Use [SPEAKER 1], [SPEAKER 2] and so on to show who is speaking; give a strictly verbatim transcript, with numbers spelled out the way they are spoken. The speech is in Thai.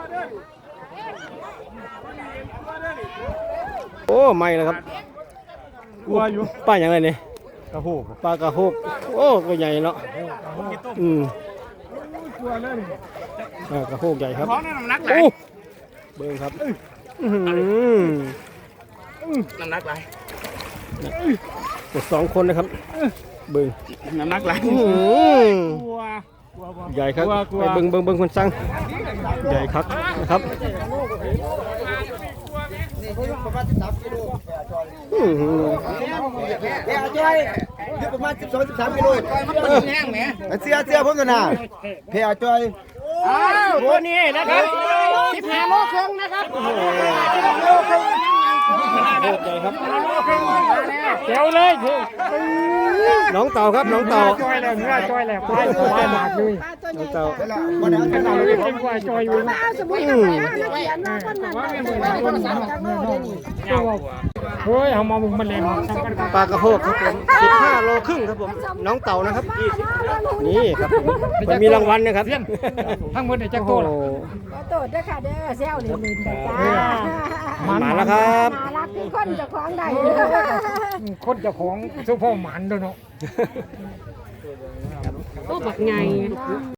[SPEAKER 1] โอ้ไม่แล้วครับวัวอยู่ป้าอย่างไรเนี่ยกระโหกปลากระโหกโอ้ก็ใหญ่เนาะอืมกระโหกใหญ่ครับโอ้เบิ้งครับ
[SPEAKER 2] น้ำหนักไหล
[SPEAKER 1] กดสองคนนะครับเบิ้ง
[SPEAKER 2] น้ำหนักไหล
[SPEAKER 1] ใหญ่ครับไปเบิ้งเบิ้งเบิ้งคนสั่งใหญ่ครับนะครับ
[SPEAKER 3] เดี๋ยวจอยอยู่ประมาณสิบสองสิบสามกิโลแห้งไหมเสียเสียผมกันนะเพียจอย
[SPEAKER 1] อ้าวตัวนี้นะครับสิบห้าโลครึ่งนะครับโอ้โหใหญ่ครับเจ๋วเลยน้องเต่าครับน้องเต่า
[SPEAKER 4] จอยแล้วเนื้อจอยแล้วควายควายหมากเลย
[SPEAKER 1] น้องเต่า
[SPEAKER 4] วันนั้นเราเล่นควายจอยอยู่
[SPEAKER 5] สมมติว่าเขียนว่าคนนั้นคนสามจากโลเดี๋ยวนี้
[SPEAKER 4] เฮ้ยเอามาบุกมันเล่น
[SPEAKER 1] ปลากระโหกครับผมสิบห้าโลครึ่งครับผมน้องเต่านะครับนี่ครับมันมีรางวัลนะครับ
[SPEAKER 4] ทั้งหมดเนี่ยจักโตแล้ว
[SPEAKER 5] โตด้วยค่ะเด้อเซลนี่ลินจ้า
[SPEAKER 1] มาแล้วครับ
[SPEAKER 5] มารักที่คนเจ้าของได้
[SPEAKER 4] คนเจ้าของเจ้าพ่อหมันด้วยเนาะ
[SPEAKER 5] โอ้บักไง